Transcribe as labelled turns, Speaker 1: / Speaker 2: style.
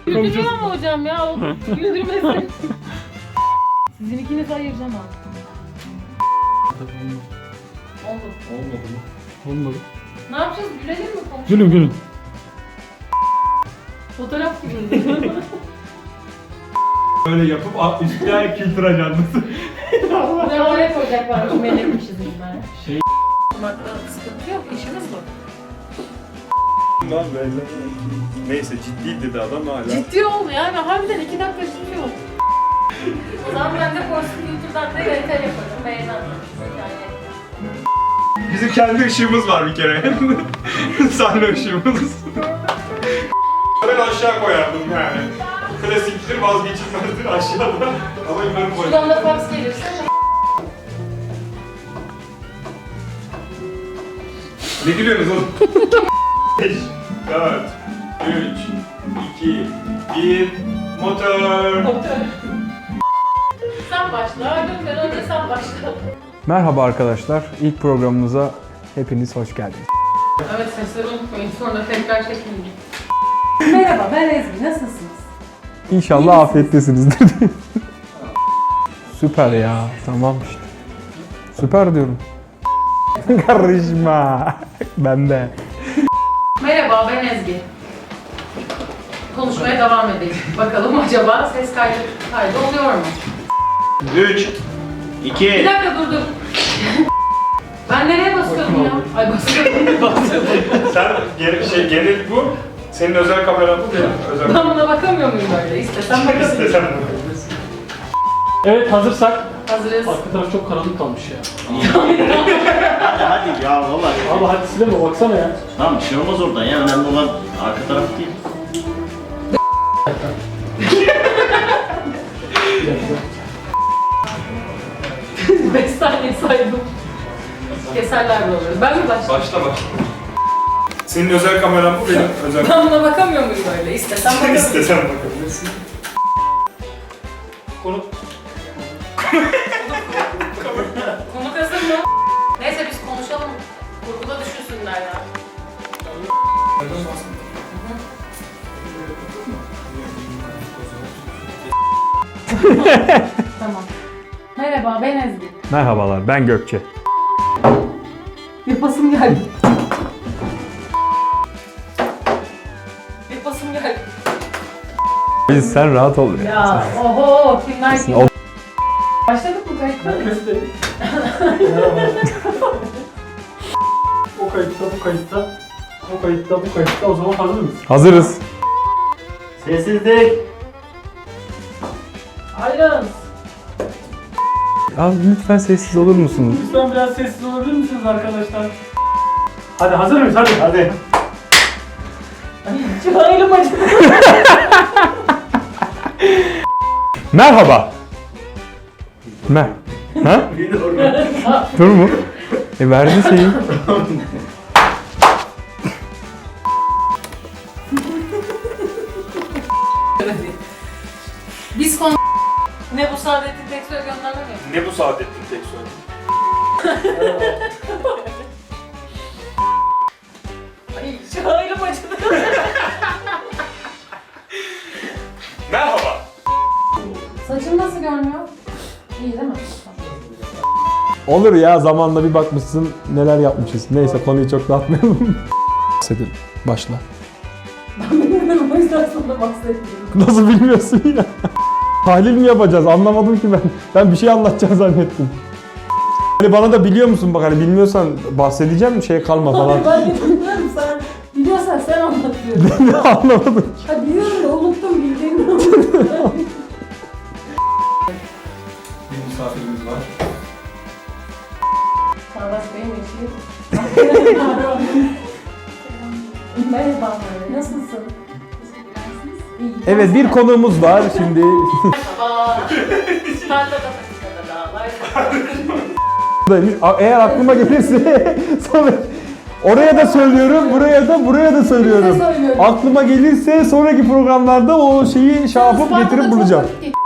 Speaker 1: Güldürüyor mu hocam ya? O güldürmesin. Sizin ikinizi ayıracağım abi. Oldu.
Speaker 2: Olmadı mı?
Speaker 3: Olmadı.
Speaker 1: Ne yapacağız? Gülelim mi? Konuşalım.
Speaker 3: Gülün gülün.
Speaker 1: Fotoğraf gibi.
Speaker 2: Böyle yapıp üstüne kültür ajandısı.
Speaker 1: Ne oraya koyacaklarmış, melekmişiz biz ben.
Speaker 2: Şey-
Speaker 1: Bakmakta sıkıntı yok, işimiz bu.
Speaker 2: Lan böyle. Neyse ciddi dedi adam hala.
Speaker 1: Ciddi ol yani, harbiden 2 dakika ciddi ol. O zaman ben de Force Filter'dan da yönetel yaparım, beğenmezsiniz yani.
Speaker 2: Bizim kendi ışığımız var bir kere. Sahne ışığımız. Ben aşağı koyardım yani. Klasiktir, vazgeçilmezdir aşağıda. Ama ben koyardım.
Speaker 1: Şuradan da fax gelirse.
Speaker 2: Ne gülüyorsunuz oğlum? 5, 4, 3, 2, 1, motor.
Speaker 1: Sen başla, Günden önce sen başla.
Speaker 3: Merhaba arkadaşlar. İlk programımıza hepiniz hoş geldiniz.
Speaker 1: Evet, sesleri unutmayın, sonra tekrar çekin. Merhaba, ben Ezgi, nasılsınız?
Speaker 3: İnşallah afiyettesinizdir. Süper ya. Tamam işte. Süper diyorum. Karışma. Ben de.
Speaker 1: Merhaba, ben Ezgi. Konuşmaya devam edelim. Bakalım acaba ses kaydı oluyor mu?
Speaker 2: 3, 2,
Speaker 1: Bir dakika dur. Ben nereye basıyordum ya? Ay basıyordum.
Speaker 2: sen genel bu. Senin özel kameran bu benim özel
Speaker 1: Ben buna bakamıyor muyum böyle? İstesem bakamıyorum.
Speaker 2: İstesen bakabilirsin.
Speaker 4: Evet, hazırsak.
Speaker 1: Hazırız.
Speaker 4: Arka taraf çok karanlık kalmış ya.
Speaker 5: Hadi ya valla.
Speaker 4: Abi hadi sileme, baksana ya.
Speaker 5: Tamam bir şey olmaz oradan ya. Önemli olan arka taraf değil.
Speaker 4: Bir dakika.
Speaker 1: 5 saniye saydım. Keserler de oluyor. Ben mi başlayayım?
Speaker 2: Başla. Senin özel kameran bu benim özel
Speaker 1: Ben buna bakamıyor muyum böyle? İstesem bakamıyorum.
Speaker 2: İstesen bakabilirsin.
Speaker 4: Konu...
Speaker 1: Konuk hazır mı? Neyse biz konuşalım. Kurguda düşünsünler ya. Tamam. Merhaba, ben Ezgi.
Speaker 3: Merhabalar. Ben Gökçe.
Speaker 1: Yapasım geldi. Yapasım geldi.
Speaker 3: Biz sen rahat ol ya.
Speaker 1: Ya oho, kimler kim?
Speaker 3: O-
Speaker 1: Başladık mı kayıtta?
Speaker 4: Nefes de... Merhaba. O kayıtta, bu kayıtta. O kayıtta, bu kayıtta. O zaman hazır mıyız?
Speaker 3: Hazırız.
Speaker 5: Sessizlik.
Speaker 1: Ayrılın.
Speaker 3: Ya lütfen sessiz olur musunuz?
Speaker 4: Lütfen biraz sessiz olabilir misiniz arkadaşlar? Hadi hazır mıyız? Hadi.
Speaker 5: Hadi.
Speaker 1: Şu ayrım acıdı.
Speaker 3: Merhaba. Ha? Dur mu? Verdi şeyi.
Speaker 1: Biz konu... Ne bu Saadettin Teksoy'a gönderme mi?
Speaker 2: Ne bu Saadettin Teksoy?
Speaker 1: Ay şu ayrım acıdı.
Speaker 2: Merhaba.
Speaker 1: Saçım nasıl görünüyor? İyi değil mi?
Speaker 3: Olur ya, zamanla bir bakmışsın neler yapmışız. Neyse, konuyu çok dağıtmayalım. Bahsedelim. Başla.
Speaker 1: Ben bilmiyorum, o yüzden sana bahsetmiyorum.
Speaker 3: Nasıl bilmiyorsun ya? Tahlil mi yapacağız? Anlamadım ki ben. Ben bir şey anlatacağım zannettim. Hani bana da biliyor musun bak, hani bilmiyorsan bahsedeceğim, şey kalma falan.
Speaker 1: Hayır, ben de bilmiyorum, sen biliyorsan sen anlat diyorum.
Speaker 3: Anlamadım.
Speaker 1: Ha biliyorum da unuttum, bildiğimi unuttum.
Speaker 2: Bir misafirimiz var.
Speaker 1: Çağdaş Bey'in eşi. Merhaba, nasılsın? İyi.
Speaker 3: Evet, bir konuğumuz var şimdi.
Speaker 1: Merhaba. Tarlada dağlar.
Speaker 3: Buradaymış. Eğer aklıma gelirse sonra oraya da söylüyorum, buraya da söylüyorum.
Speaker 1: söylüyorum.
Speaker 3: Aklıma gelirse sonraki programlarda o şeyi şey yapıp
Speaker 1: Isparta'da
Speaker 3: getirip
Speaker 1: çok
Speaker 3: bulacağım.
Speaker 1: vakit